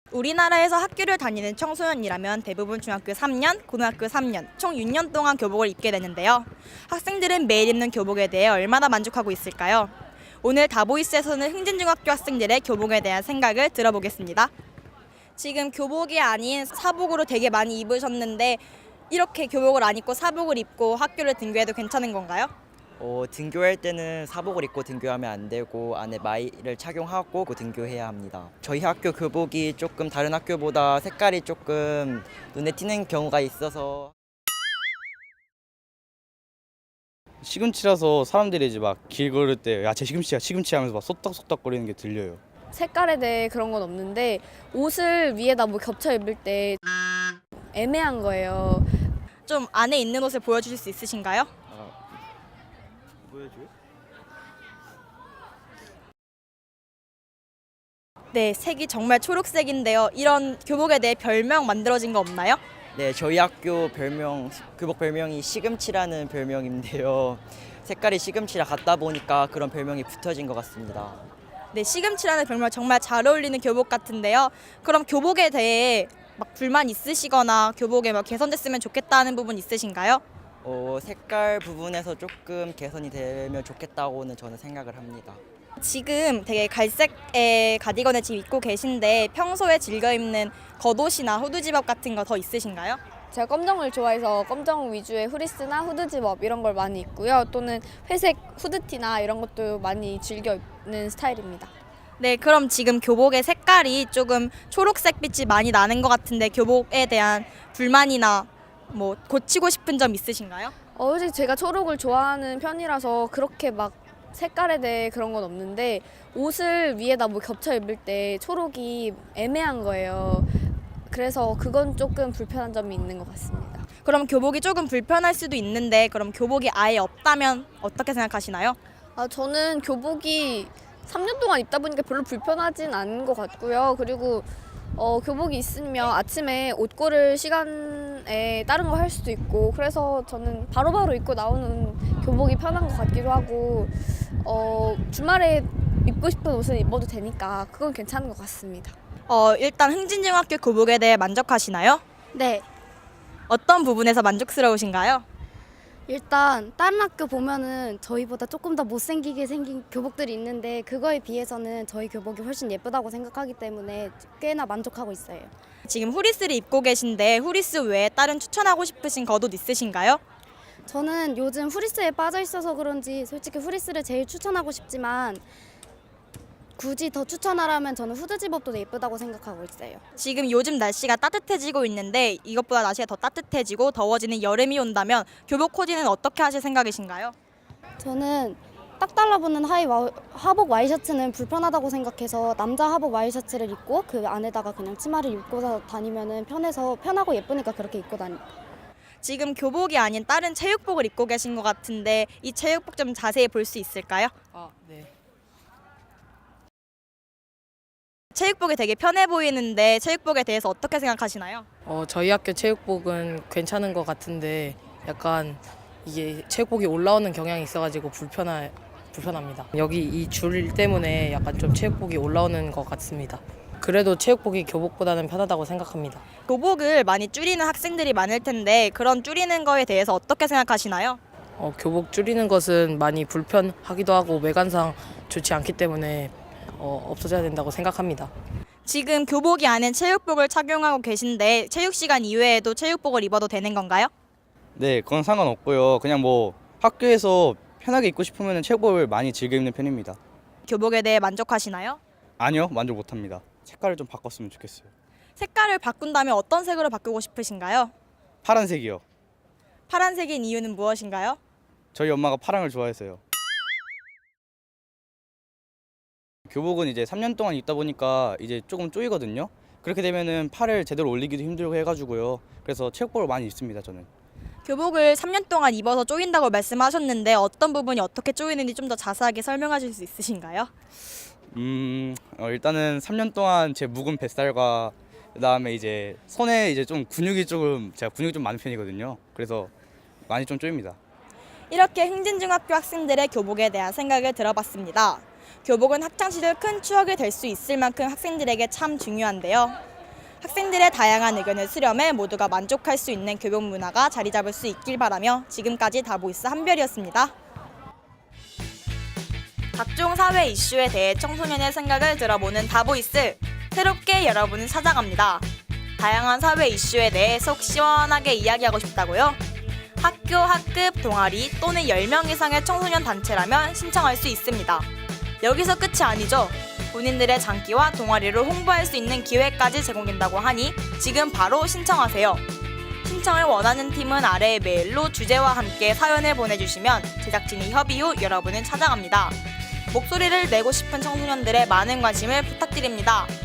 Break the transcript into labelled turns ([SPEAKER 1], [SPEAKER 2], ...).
[SPEAKER 1] 우리나라에서 학교를 다니는 청소년이라면 대부분 중학교 3년, 고등학교 3년, 총 6년 동안 교복을 입게 되는데요. 학생들은 매일 입는 교복에 대해 얼마나 만족하고 있을까요? 오늘 다보이스에서는 흥진중학교 학생들의 교복에 대한 생각을 들어보겠습니다. 지금 교복이 아닌 사복으로 되게 많이 입으셨는데 이렇게 교복을 안 입고 사복을 입고 학교를 등교해도 괜찮은 건가요?
[SPEAKER 2] 등교할 때는 사복을 입고 등교하면 안 되고 안에 마이를 착용하고 등교해야 합니다. 저희 학교 교복이 조금 다른 학교보다 색깔이 조금 눈에 띄는 경우가 있어서
[SPEAKER 3] 시금치라서 사람들이 이제 막 길 걸을 때 야 쟤 시금치야 시금치 하면서 막 속닥속닥거리는 게 들려요.
[SPEAKER 4] 색깔에 대해 그런 건 없는데 옷을 위에다 뭐 겹쳐 입을 때 애매한 거예요.
[SPEAKER 1] 좀 안에 있는 옷을 보여주실 수 있으신가요?
[SPEAKER 3] 보여줘요?
[SPEAKER 1] 네, 색이 정말 초록색인데요. 이런 교복에 대해 별명 만들어진 거 없나요?
[SPEAKER 2] 네, 저희 학교 교복 별명이 시금치라는 별명인데요. 색깔이 시금치랑 같다 보니까 그런 별명이 붙어진 것 같습니다.
[SPEAKER 1] 네, 시금치라는 별명 정말 잘 어울리는 교복 같은데요. 그럼 교복에 대해 막 불만 있으시거나 교복에 뭐 개선됐으면 좋겠다는 부분 있으신가요?
[SPEAKER 2] 색깔 부분에서 조금 개선이 되면 좋겠다고는 저는 생각을 합니다.
[SPEAKER 1] 지금 되게 갈색의 가디건을 지금 입고 계신데 평소에 즐겨 입는 겉옷이나 후드 집업 같은 거 더 있으신가요?
[SPEAKER 4] 제가 검정을 좋아해서 검정 위주의 후리스나 후드 집업 이런 걸 많이 입고요. 또는 회색 후드티나 이런 것도 많이 즐겨 입는 스타일입니다.
[SPEAKER 1] 네, 그럼 지금 교복의 색깔이 조금 초록색 빛이 많이 나는 것 같은데 교복에 대한 불만이나 뭐 고치고 싶은 점 있으신가요?
[SPEAKER 4] 솔직히 제가 초록을 좋아하는 편이라서 그렇게 막 색깔에 대해 그런 건 없는데 옷을 위에다 뭐 겹쳐 입을 때 초록이 애매한 거예요. 그래서 그건 조금 불편한 점이 있는 것 같습니다.
[SPEAKER 1] 그럼 교복이 조금 불편할 수도 있는데 그럼 교복이 아예 없다면 어떻게 생각하시나요?
[SPEAKER 4] 저는 교복이 3년 동안 입다 보니까 별로 불편하진 않은 것 같고요. 그리고 교복이 있으면 아침에 옷 고를 시간에 다른 거 할 수도 있고 그래서 저는 바로바로 입고 나오는 교복이 편한 것 같기도 하고 주말에 입고 싶은 옷을 입어도 되니까 그건 괜찮은 것 같습니다.
[SPEAKER 1] 일단 흥진중학교 교복에 대해 만족하시나요?
[SPEAKER 5] 네,
[SPEAKER 1] 어떤 부분에서 만족스러우신가요?
[SPEAKER 5] 일단 다른 학교 보면은 저희보다 조금 더 못생기게 생긴 교복들이 있는데 그거에 비해서는 저희 교복이 훨씬 예쁘다고 생각하기 때문에 꽤나 만족하고 있어요.
[SPEAKER 1] 지금 후리스를 입고 계신데 후리스 외에 다른 추천하고 싶으신 겉옷 있으신가요?
[SPEAKER 5] 저는 요즘 후리스에 빠져 있어서 그런지 솔직히 후리스를 제일 추천하고 싶지만 굳이 더 추천하라면 저는 후드 집업도 예쁘다고 생각하고 있어요.
[SPEAKER 1] 지금 요즘 날씨가 따뜻해지고 있는데 이것보다 날씨가 더 따뜻해지고 더워지는 여름이 온다면 교복 코디는 어떻게 하실 생각이신가요?
[SPEAKER 5] 저는 딱 달라붙는 하복 와이셔츠는 불편하다고 생각해서 남자 하복 와이셔츠를 입고 그 안에다가 그냥 치마를 입고 다니면은 편하고 예쁘니까 그렇게 입고 다닙니다.
[SPEAKER 1] 지금 교복이 아닌 다른 체육복을 입고 계신 것 같은데 이 체육복 좀 자세히 볼 수 있을까요?
[SPEAKER 6] 네.
[SPEAKER 1] 체육복이 되게 편해 보이는데 체육복에 대해서 어떻게 생각하시나요?
[SPEAKER 6] 저희 학교 체육복은 괜찮은 것 같은데 약간 이게 체육복이 올라오는 경향이 있어가지고 불편합니다. 여기 이 줄 때문에 약간 좀 체육복이 올라오는 것 같습니다. 그래도 체육복이 교복보다는 편하다고 생각합니다.
[SPEAKER 1] 교복을 많이 줄이는 학생들이 많을 텐데 그런 줄이는 거에 대해서 어떻게 생각하시나요?
[SPEAKER 6] 교복 줄이는 것은 많이 불편하기도 하고 외관상 좋지 않기 때문에 없어져야 된다고 생각합니다.
[SPEAKER 1] 지금 교복이 아닌 체육복을 착용하고 계신데 체육 시간 이외에도 체육복을 입어도 되는 건가요?
[SPEAKER 3] 네, 그건 상관없고요. 그냥 뭐 학교에서 편하게 입고 싶으면 체육복을 많이 즐겨 입는 편입니다.
[SPEAKER 1] 교복에 대해 만족하시나요?
[SPEAKER 3] 아니요, 만족 못합니다. 색깔을 좀 바꿨으면 좋겠어요.
[SPEAKER 1] 색깔을 바꾼다면 어떤 색으로 바꾸고 싶으신가요?
[SPEAKER 3] 파란색이요.
[SPEAKER 1] 파란색인 이유는 무엇인가요?
[SPEAKER 3] 저희 엄마가 파랑을 좋아해서요. 교복은 이제 3년 동안 입다 보니까 이제 조금 쪼이거든요. 그렇게 되면은 팔을 제대로 올리기도 힘들고 해가지고요. 그래서 체육복을 많이 입습니다, 저는.
[SPEAKER 1] 교복을 3년 동안 입어서 쪼인다고 말씀하셨는데 어떤 부분이 어떻게 쪼이는지 좀 더 자세하게 설명하실 수 있으신가요?
[SPEAKER 3] 일단은 3년 동안 제 묵은 뱃살과 그다음에 이제 손에 이제 좀 제가 근육이 좀 많은 편이거든요. 그래서 많이 좀 쪼입니다.
[SPEAKER 1] 이렇게 흥진중학교 학생들의 교복에 대한 생각을 들어봤습니다. 교복은 학창시절 큰 추억이 될 수 있을 만큼 학생들에게 참 중요한데요. 학생들의 다양한 의견을 수렴해 모두가 만족할 수 있는 교복 문화가 자리 잡을 수 있길 바라며 지금까지 다보이스 한별이었습니다. 각종 사회 이슈에 대해 청소년의 생각을 들어보는 다보이스, 새롭게 여러분을 찾아갑니다. 다양한 사회 이슈에 대해 속 시원하게 이야기하고 싶다고요? 학교, 학급, 동아리 또는 10명 이상의 청소년 단체라면 신청할 수 있습니다. 여기서 끝이 아니죠. 본인들의 장기와 동아리를 홍보할 수 있는 기회까지 제공된다고 하니 지금 바로 신청하세요. 신청을 원하는 팀은 아래의 메일로 주제와 함께 사연을 보내주시면 제작진이 협의 후 여러분을 찾아갑니다. 목소리를 내고 싶은 청소년들의 많은 관심을 부탁드립니다.